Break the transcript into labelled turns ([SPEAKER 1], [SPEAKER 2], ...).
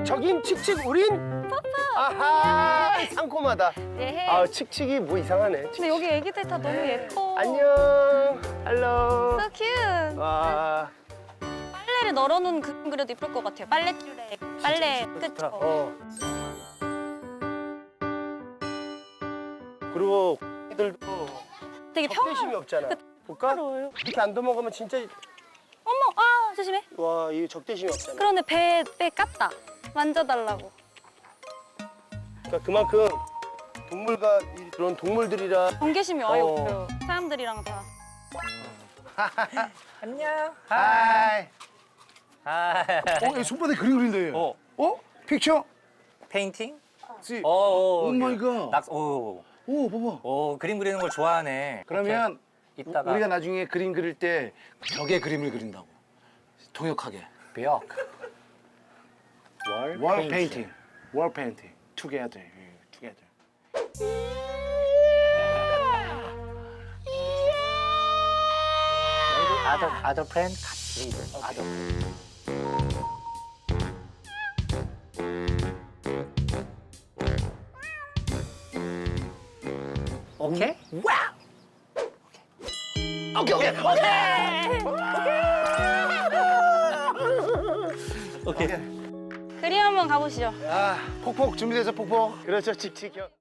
[SPEAKER 1] 저긴 칙칙 우린 아하 상콤하다.
[SPEAKER 2] 네.
[SPEAKER 1] 아 칙칙이 뭐 이상하네.
[SPEAKER 2] 근데 여기 애기들 다 너무 예뻐.
[SPEAKER 1] 안녕. 헬로.
[SPEAKER 2] So cute.
[SPEAKER 1] 와.
[SPEAKER 2] 빨래를 널어놓은 그림 그려도 예쁠 것 같아요. 빨래줄에 빨래
[SPEAKER 1] 좋다.
[SPEAKER 2] 그쵸?
[SPEAKER 1] 그리고 애들도
[SPEAKER 2] 되게
[SPEAKER 1] 적대심이 없잖아. 볼까?
[SPEAKER 2] 평화로워요.
[SPEAKER 1] 이렇게 안 넘어가면 진짜
[SPEAKER 2] 어머, 아 조심해.
[SPEAKER 1] 와 이 적대심이 없잖아.
[SPEAKER 2] 그런데 배 깠다. 만져달라고.
[SPEAKER 1] 그러니까 그만큼 동물과 그런 동물들이랑
[SPEAKER 2] 경계심이 아예
[SPEAKER 1] 어.
[SPEAKER 2] 없어요. 사람들이랑 다.
[SPEAKER 3] 안녕.
[SPEAKER 1] 하이.
[SPEAKER 4] 이 손바닥에 그림 그린다 얘. 픽처?
[SPEAKER 3] 페인팅?
[SPEAKER 4] 씨.
[SPEAKER 3] 오
[SPEAKER 4] 마이 갓.
[SPEAKER 3] 오,
[SPEAKER 4] 오, 봐봐.
[SPEAKER 3] 오, 그림 그리는 걸 좋아하네.
[SPEAKER 4] 그러면
[SPEAKER 3] 이렇게 이따가
[SPEAKER 4] 우리가 나중에 그림 그릴 때 벽에 그림을 그린다고. 통역하게.
[SPEAKER 3] 벽.
[SPEAKER 4] 월 페인팅. 월 페인팅. Together. Together.
[SPEAKER 3] Other friend 같이 leader. Other. 오케이?
[SPEAKER 2] 그림 한번 가보시죠.
[SPEAKER 4] 아, 폭폭 준비돼서 폭폭. 그렇죠, 칙칙 형.